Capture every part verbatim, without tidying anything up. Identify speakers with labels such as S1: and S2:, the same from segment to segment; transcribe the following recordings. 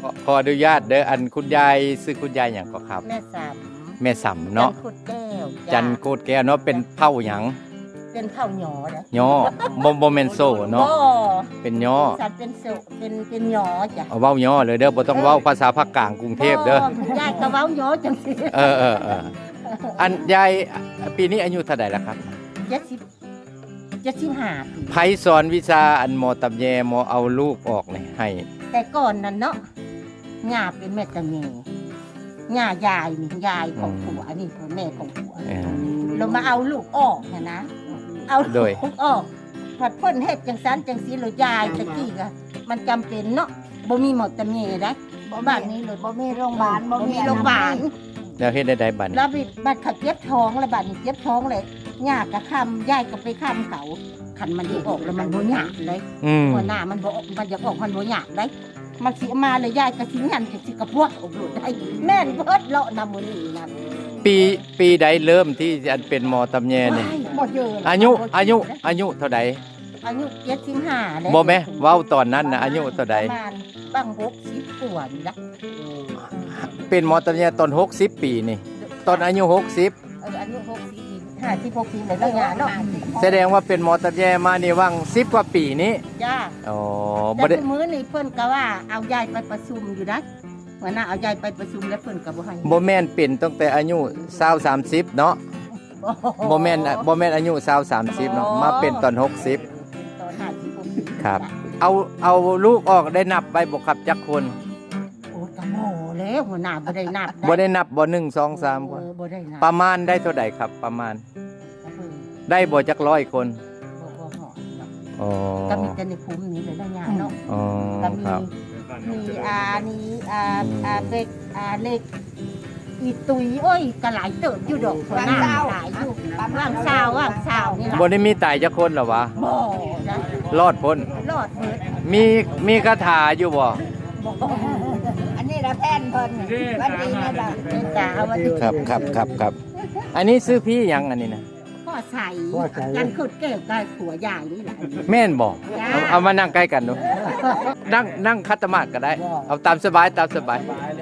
S1: อขออนุญาตเด้ออันคุณยายซื้อคุณยายหยังก็ครับ
S2: แม่สาม
S1: แม่สำเนาะ
S2: จันขุดแก้ว
S1: จันโกดแก้วเนาะเป็นเผ่าหยัง
S2: เป็นเผ่าหยอนะ
S1: ย่อบ่บ่แม่นโซ่เนาะ
S2: บ่
S1: เป็นย่อ
S2: สัตว์เป็นโซเป็นเป็นหยอจ้ะ
S1: เอาเว้าย่อเลยเด้อบ่ต้องเว้าภาษาภาคกลางกรุงเทพเด้อ
S2: ยายก็เว้าหยอจังซี่
S1: เออเออเอออันยายปีนี้อายุเท่าใดแล้วครับ
S2: เจ็ดสิบเจ็ดสิบห้าปี
S1: ไผสอนวิชาอันหมอตำแยหมอเอาลูกออกนี่ให้
S2: แต่ก่อนนั้นเนาะย่าเป็นแม่ตะเมย่ายายนี่ยายของผัวนี่คือแม่ของผัว
S1: เออ
S2: เรามาเอาลูกออกนะนะ เอา
S1: โดย
S2: ลูกออกผัดเพิ่นเฮ็ดจังซันจังสีเลยยายตะกี้ก็มันจำเป็นเนาะบ่มีหมอตะเมนะบ้านนี้เลย
S3: บ่มีโรงพยาบาล
S2: บ่มีโรงพยาบาล
S1: แล้วเฮ็ดได้ใดบัดนี้
S2: แล้วบิดบัดเขาเจ็บท้องแล้วบัดนี้เจ็บท้องเลยย่าก็ค้ำยายก็ไปค้ำเขาคันมันได้ออกแล้วมันบ่หยาบเลย
S1: อืม
S2: หัวหน้ามันบ่มันจะออกมันบ่หยาบเลยมันสิเอามาเลยยายก็สิหันสิกระพวกอบหลุดได้แม่นเบิดเลาะนำมื้อนี้นะ
S1: ปีปีใดเริ่มที่อันเป็นหมอตำแยนี่
S2: บ่เยอะ
S1: อายุอายุอายุเท่าใด
S2: อายุเจ็ดสิบห้าแล้ว
S1: บ่แม่เว้าตอนนั้นน่ะอายุเท่าใด
S2: ประมาณบ้างหกสิบกว่านี่ละ
S1: เป็นหมอตำแยตอนหกสิบปีนี่ตอนอายุหกสิบ
S2: เอออายุหกสิบห้าสิบหกสิบเลยแล้วยาเนาะ
S1: แสดงว่าเป็นหมอตำแยมานี่ว่างสิบกว่าปีนี้
S2: จ้า
S1: อ๋อ
S2: แต่
S1: บ่ได้
S2: มื้อนี้เพิ่นก็ว่าเอายายไปประชุมอยู่นะหัวหน้าเอายายไปประชุมแล้วเพิ่นก็บ่ให้
S1: บ่แม่นเป็นตั้งแต่อายุยี่สิบ สามสิบเนาะบ่แม่นบ่แม่นอายุยี่สิบ สามสิบเนาะมาเป็นตอนหกสิบ
S2: ตอนห้าสิบหกสิบ
S1: ครับ เอาเอาลูกออกได้นับไว้บ่ครับจักคน
S2: โอ้ตะโมแล้วหัวหน้าบ่ได้นับ
S1: บ่ได้นับบ่หนึ่ง สอง สามคน
S2: เออบ่ได้นับ
S1: ประมาณได้เท่าใดครับ ประมาณ ได้บ่จักร้อยคน
S2: บ่บ่ฮอดเนาะ
S1: อ๋อ
S2: ก็มีแต่ในภูมินี้เลยนะยาเนาะ
S1: อ๋อ
S2: ก็มี
S1: ครับ
S2: มีอานี้อาอาเล็กอาเล็กอีตุยโอ้ยก็หลายเติบอยู่ดอกหัวหน้าหลายอยู่ว่างเช้าว่างเช้านี่ล่ะ
S1: บ่ได้มีตายจักคนเหรอวะ
S2: บ่นะ
S1: รอดพ้น
S2: รอดเบิด
S1: มีมีคาถาอยู่บ่
S2: บ่
S3: อันนี้ละแพนเพิ่นวันดีนะล่ะ
S2: เป็นตาว่าที่
S1: ครับครับครับครับ อันนี้ซื้อพี่หยังอันนี้นะ
S2: พ่อใส่กันขุดเก็บกับผัวใหญ่นี่แหละ
S1: แม่นบ่
S2: จ้า
S1: เอาเอามานั่งใกล้กันดูนั่งนั่งคัตมาดก็ได้ เอาตามสบายตามสบาย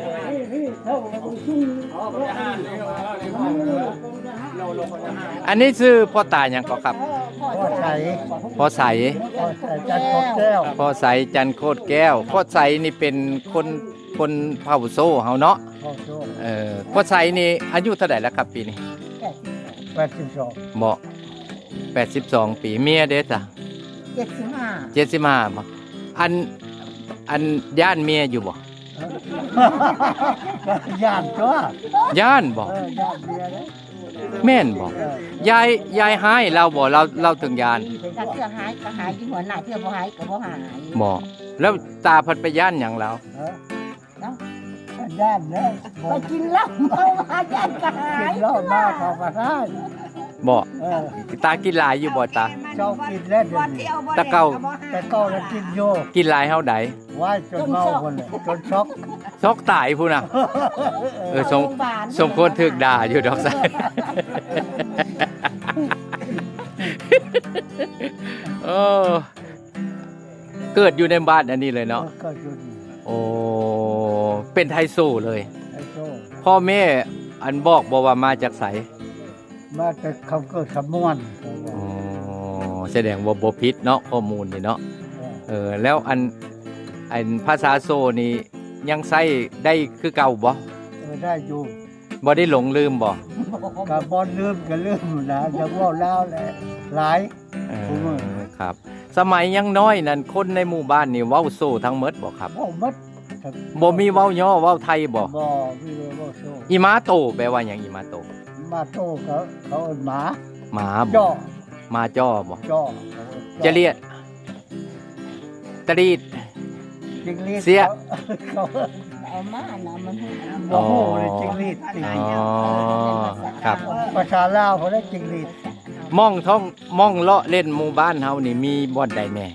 S1: อันนี้ซื้อพ่อตาหยังก็ครับ
S4: พ่อใส
S1: พ่อใส
S4: พ่อใสจันทร์แก้ว
S1: พ่อใสจันโคตรแก้วพ่อใสนี่เป็นคนคนเผ่าโซ่เฮาเนาะ
S4: พ่อโชค
S1: เออพ่อใสนี่อายุเท่าไหร่แล้วครับปีนี้
S4: แปดสิบสอง
S1: บ่แปดสิบสองปีเมียเด้จ้ะ
S2: เจ็ดสิบห้า
S1: เจ็ดสิบห้าบ่อันอันย่านเมียอยู่บ่
S4: ย่านตัว
S1: ย่านบ่
S4: เออย่านเบียร์เลย
S1: แม่นบ่
S4: เออย
S1: ายยายหายเราบ่เราเราถึงย่าน
S2: ถ้าเพื่อหายก็หายที่หัวหน้าเพื่อบ่หายก็บ่หาย
S1: บ่แล้วตาเพัดไปย่านหยังเรา
S4: เออย่านเลย
S2: ไปกินเหล้าเมามาย่านก็หา
S4: กิ
S2: ย
S4: นเหล้ามาเข้ามาได้
S1: บ่
S4: เออ
S1: ตากินหลายอยู่บ่ตา
S4: เจ้ากินแล้วเดี๋ยว
S3: บ่
S4: นี้
S3: เที่ยวบ่
S1: ตะเก้า
S4: แต่เก็แล้วกินโย
S1: กินหลายเฮาใด
S4: ไว้จนเมาคนเลยจนช็อก
S1: ซอกตายพุ่นน่ะเออสม
S2: โรงพยาบาล
S1: สมควรถูกด่าอยู่ดอกไสโอ้เกิดอยู่ในบ้านอันนี้เลยเนาะ
S4: ก็อยู่ดี
S1: โอ้เป็นไทโซเลย
S4: ไอ้โชค
S1: พ่อแม่อันบอกบอกว่ามาจากไส
S4: มาแต่เขาเกิดขมวนเขาบอ
S1: อ๋
S4: ก
S1: อแสดงว่าบ่ผิดเนาะข้อมูลนี่เนาะ
S4: เออ
S1: เออแล้วอันอันภาษาโซนี่ยังใช้ได้คือเก่าบ่
S4: เออได้อยู่
S1: บ่ได้หลงลืมบ่
S4: กับบอลลืมก็ลืมนะจะว่าเล่าแหละหลาย
S1: เอ
S4: ผมว่า
S1: อครับ สมัยยังน้อยนั่นคนในหมู่บ้านนี่เว้าโซทั้งหมดบ่ครับ
S4: ว่ามัด
S1: บ่มีเว้าย่อเว้าไทยบ่
S4: บ่มีเลยว่าโชค
S1: อีมาโตแปลว่าหยังอีมาโต
S4: มาโตเขาเขาเอาหมา
S1: หมาบ่
S4: จ่อ
S1: มาจ้อบ่
S4: จ่อ
S1: จะเรียกตรีด
S4: จิงลีด
S1: เสีย
S4: เขา
S2: เอามานะมันให้
S4: บ่ฮู้เลยจิงลีดติ
S1: อ๋อครับ
S4: ภาษาลาวเขาได้จิงลีด
S1: ม่องท่องม่องเลาะเล่นหมู่บ้านเฮานี่มีบ่อนใดแน่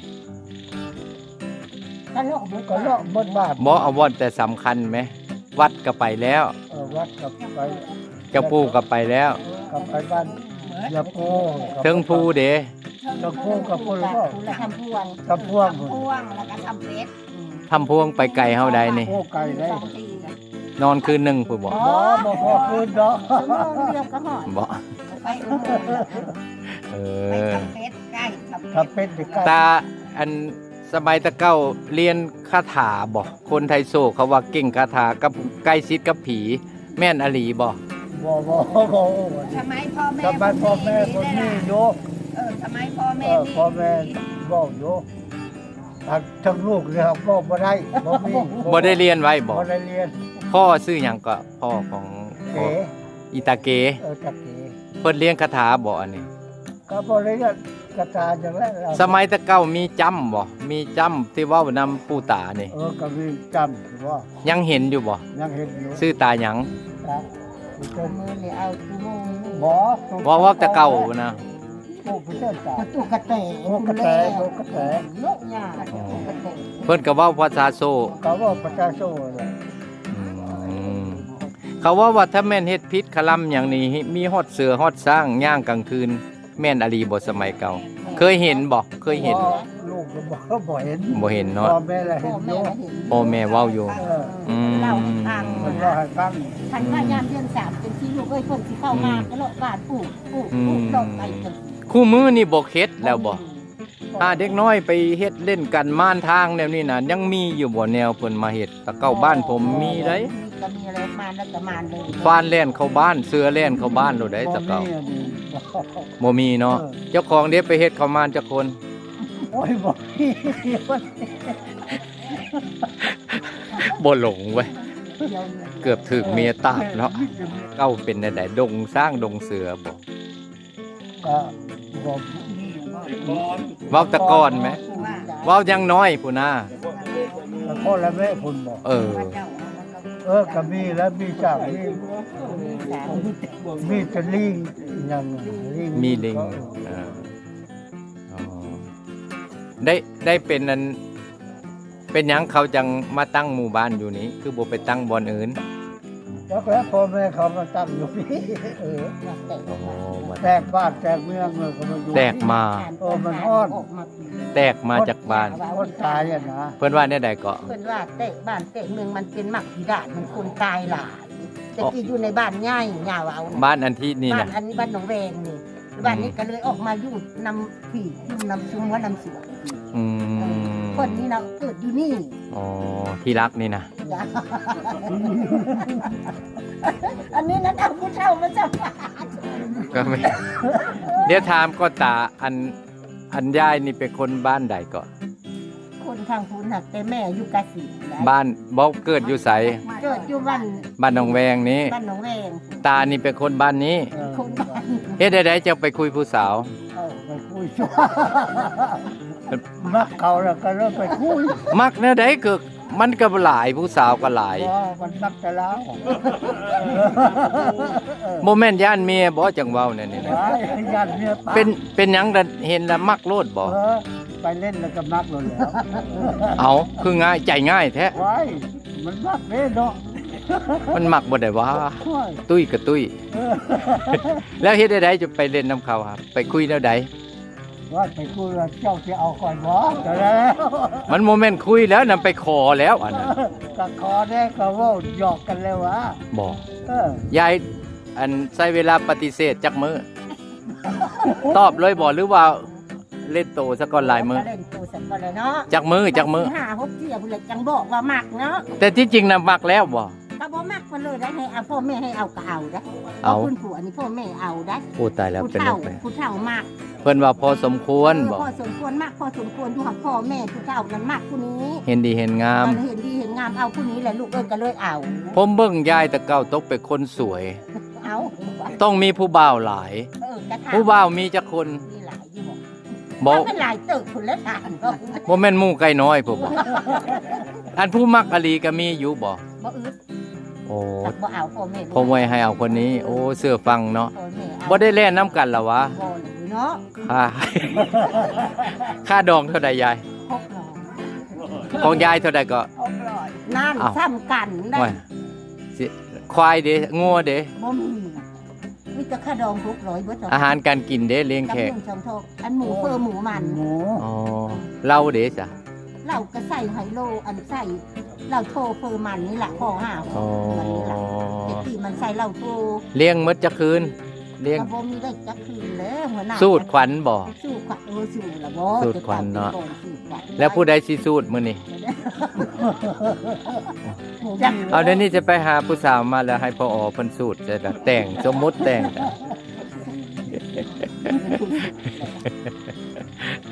S2: ตลกเบิด
S4: ก็เลาะบนบ้าน
S1: บ่เอาบ่อนแต่สำคัญไหมวัดก็ไปแล้ว
S4: เออวัดกับไป
S1: เจ้าปู่ก็ไปแล้ว
S4: กับไปบ้านยาโพ
S1: เทิงภูเด้
S4: ยาโพกับพวก
S2: ละ
S4: ก็
S2: ละทำพวง
S4: กับพวก
S3: พ่วงแล้วก็ทำเป็ด
S1: คทำพวงไปไกลเฮาใดนี่
S4: โอ้ไก่ได้
S3: สองทีนะ
S1: นอนคืนหนึงพุ่นบ่
S4: บ่บ่พอคืนเนาะ
S2: ชั่วโมงเดียวก็หอด
S1: บ่
S3: ไปอุโมงค์แล้ว
S1: เอ
S3: ไป
S1: อ
S3: ทำเป็ดใกล้ทำ
S4: ถ้า
S3: เป็ด
S4: เป็นเด็กไก่
S1: ตาอันสมัยตะเก้าเรียนคาถาบ่คนไทยโศกเขาว่าเก่งคาถากับใกล้ชิดกับผี แม่นอหลีบ่
S4: บ่บ่บ่
S3: ทำไมพ่อแม่
S4: ทำไมพ่อแม่คนนี้โย
S3: เออทำไมพ่อ
S4: เอ
S3: แม่
S4: อ
S3: นี่
S4: พ่อแม่บอกโยทั้งทั้งลูกเลยครับบอกบ่ได้บ่มี
S1: บ่ได้เรียนไว้บ่
S4: บ่ได้เรียน
S1: พ่อชื่อหยังก็พ่อของพ่อ
S4: เก๋
S1: อิตาเก
S4: เออจักเก๋
S1: เพิ่นเรียนคาถาบ่อันนี้
S4: ก็บ่ได้เรียนกระตาจังแล้วเรา
S1: สมัยตะเก้ามีจำบ่มีจำที่เว้านำปู่ตานี่
S4: เออก็มีจำว่า
S1: ยังเห็นอยู่บ่
S4: ยังเห็นอยู่
S1: ชื่อตาหยัง
S4: ครับ
S2: เอามือเลยเอาชั่วโมงนี่
S4: บ่
S1: ว่าว่าตะเก้านะ
S4: โอ้ผู้เจ้าตา
S2: ประตูกระเตะ
S4: โอ้กระแตโอ้กระแต
S2: โลกยาประตูกระเตะ
S1: เพิ่นก็เว้าภาษาโซ
S4: ก็ว่าประชาชนเลย
S1: อืมเขาว่าว่าถ้าแม่นเฮ็ดพิษคลำอย่างนี้มีฮอดเสือฮอดสร้างย่างกลางคืน แม่นอลีบ่สมัยเก่า เคยเห็นบ่เคยเห็น
S4: บ่ลูกก็บ่บ่เห็น
S1: บ่เห็นเนาะ
S4: พ่อแม่ละ
S2: พ่
S4: เห็
S2: อน
S4: อ
S2: แม่
S4: ยู่
S2: เห็น
S1: พ่อแม่เว้าอยู่
S4: เออ
S1: อืม
S2: เล่าให้ฟัง
S4: มันว่าให้ฟัง
S2: ทันพยายามเดือนสามเป็นที่ลูกเอ้ยเพิ่นสิเข้ามาก็เลาะบ้านปลูกปลูกปลูกดอกไปจน
S1: คู่มือนี่บ่เฮ็ดแล้วบ่ถ้าเด็กน้อยไปเฮ็ดเล่นกันม่านทางแนวนี้น่ะยังมีอยู่บ่แนวเพิ่นมาเฮ็ดตะเก้าบ้านผมมีได้
S2: มีก็มีอะไรมาแล้วก็มาเลย
S1: ฟานแล่นเข้าบ้านเสือแล่นเข้าบ้านโลดได้ตะเก้า
S4: บ่มีอันนี้บ่
S1: บ่มีเนาะ
S4: เออ
S1: เจ้าของเด้ไปเฮ็ดเข้าม่านจักคน
S4: โอ้ยบ่มี
S1: บ่หลงเว้ยเกือบถึกเมียตาบเนาะเก้าเป็นได้ดงสร้างดงเสือบ่
S4: ก็บ่
S1: เว้าแตะกอนไหมเว้ายังน้อยพุ่นน่ะ
S4: แล้วพ่อและแม่พุ่นบอก
S1: เออ
S4: เออก็มีแล้วมีจากนี่มีแตะลิงอย่างลิง
S1: มีลิงเอออ๋อได้ได้เป็นนั้นเป็นหยังเขาจังมาตั้งหมู่บ้านอยู่นี้ คือบ่ไปตั้งบ่อนอื่น
S4: แล้วแล้วพ่อแม่เขามาตั้งอยู่นี่เออ
S1: โอ้มัน
S4: แตกบ้านแตกเมืองเลยก็มาอยู่
S1: แตกมา
S4: โอ้มันฮ้อน
S1: แตกมาจากบ้าน
S4: คนตายอ่ะนะ
S1: เพิ่นว่าแน่ใดก็
S2: เพิ่นว่าเตะบ้านเตะเมืองมันเป็นหมักพิดาดมันคนตายหลายแต่ที่อยู่ในบ้านง่ายยาวเอา
S1: บ้านอันที่นี่
S2: บ้า
S1: น่ะ
S2: นอันนี้บ้านหนองแวงนี่บ้านนี้ก็เลยออกมาอยู่นำผีอยู่นำซุ้มว่านำสวน
S1: อืม
S2: คนนี้เราเกิดอยู่นี่
S1: อ๋อที่รักนี่นะ
S2: จ้ะอันนี้นั้นเอาผู้เฒ่ามาสัมภาษณ์
S1: ก็ไม่ เดี๋ยวถามก็ตาอันอันยายนี่เป็นคนบ้านใดก็
S2: คนทางพุนหักแต่แม่อยู่กะสีนะ
S1: บ้านบ่เกิดอยู่ไส
S2: เกิดอยู่บ้าน
S1: บ้านหนองแวงนี้
S2: บ้านหนองแวง
S1: ตานี่เป็นคนบ้านนี้
S4: เออ
S2: คนบ้าน
S1: เฮ็ดได้ๆจะไปคุยผู้สาว
S4: เอาไปคุยชัวมักเขาแล้วก็เริ่มไปคุย
S1: มักแนวใดก็มันก็หลายผู้สาวก็หลาย
S4: ว่ามันมักจะแล้ว
S1: บ่แม่นย่านเมียบ่จังเว้าแน่นี่นะ
S4: ว้ายยันเมียปาก
S1: เป็นเป็นหยังล่ะเห็นแล้วมักโลดบ่
S4: เออไปเล่นแล้วก็มักเลยแล้ว
S1: เอาคือง่ายใจง่ายแท้
S4: ว้ายมันมักเล่นเนาะ
S1: มันมักบ่ได้ว่า
S4: ว้าย
S1: ตุ้ยกับตุ้ย
S4: เออ
S1: แล้วเฮ็ดได้ๆจะไปเล่นน้ำเขาครับ ไปคุยแนวใด
S4: ว่าไปคุยแล้วเจ้าจะเอาก่อนบ่แต่แล้ว
S1: มันโมเมนต์คุยแล้วนำไปขอแล้วอันนั้น
S4: ก็คอได้ก็เว่าหยอกกันแล้ววะ
S1: บอก
S4: เออย
S1: ายอันใช้เวลาปฏิเสธจักมือ ตอบเลยบอกหรือว่าเล่นโตซะก่อนหลายมือ
S2: ก็เล่นตัวสักคนเลยเนาะ
S1: จักมือจักมือ
S2: ห้าหกเที่ยวพุ่นเลยจังบอกว่ามักเนาะ
S1: แต่ที่จริงน่ะมักแล้วบ่
S2: ก็บ่มักมันเลยได้ให้เอาพ่อแม่ให้เอาก็เอาได้
S1: เอา
S2: คุณผัวนี่พ่อแม่เอาได้
S1: โอ้ตายแล้ว
S2: ผู้
S1: เป็น
S2: เฒ่า
S1: เรื่องไป
S2: ผู้เฒ่ามาก
S1: เพิ่นว่าพอสมควรบ่
S2: พอสมควรมากพอสมควรอยู่กับพ่อแม่ผู้เฒ่านั้นมากผู้นี้
S1: เห็นดีเห็นงาม
S2: มันเห็นดีเห็นงามเอาผู้นี้แหละลูกเอ้ยก็เลยเอา
S1: ผมเบิ่งยายแต่เก่าตกเป็นคนสวย
S2: เอา
S1: ต้องมีผู้บ่าวหลาย
S2: เออกระทะ
S1: ผู้บ่าวมีจักคน
S2: มีหลายอยู่บ่
S1: บ่
S2: มันเป็นหลายตึกพุ่นแล้วทานบ่
S1: บ่แม่นหมู่ไก่น้อยพุ่นบ่อันผู้มักอลีก็มีอยู่บ่
S2: บ่อึด
S1: โอ้
S2: จักบ่เอาพ่อแม่
S1: ผมไว้ให้เอาคนนี้ โอ้เสื้อฟังเนาะ
S2: พ่อแม่เอา
S1: บ่ได้เล่นน้ำกันเหรอวะ
S2: บ่เลยเนาะ
S1: ค่า ค่าดองเท่าใดยาย
S2: พกน้อง
S1: ของยายเท่าใดก็
S3: หกร้อย
S2: นั่น
S1: อ้าว
S2: ซ้ำกันได้
S1: โอ้ยสิควายเด้งัวเด้
S2: บ่มีมีแต่ค่าดองหกร้อยเบิด
S1: อาหารการกินเด้เลี้ยง
S2: กับ
S1: แขก
S2: หนึ่งสองทอกอันหมูเฟอร์หมูมัน
S4: หมู
S1: อ๋อเหล้าเด้จ้ะ
S2: เราก็ใส่ไฮโลอันใส่เราโทรเฟอร์มันนี่แหละข้อห้า
S1: อ๋อ
S2: มันนี่แหละแต่ที่มันใส่เราโทร
S1: เลี้ยงมดจะคืนเลี้ยง
S2: กระบ่มีได้จักคืนแล้วหัวหน้า
S1: สูตรขวัญบ่
S2: สูตรขวัญเออสูตรละบ่
S1: สูตรขวัญเนาะ
S2: สูตรขวัญ
S1: แล้วผู้ใดสิสูตรมื้อนี้
S2: จัก
S1: เอาเดี๋ยวนี้จะไปหาผู้สาวมาแล้วให้พ่ออเพิ่นสูตรจะได้แต่งสมมุติแต่ง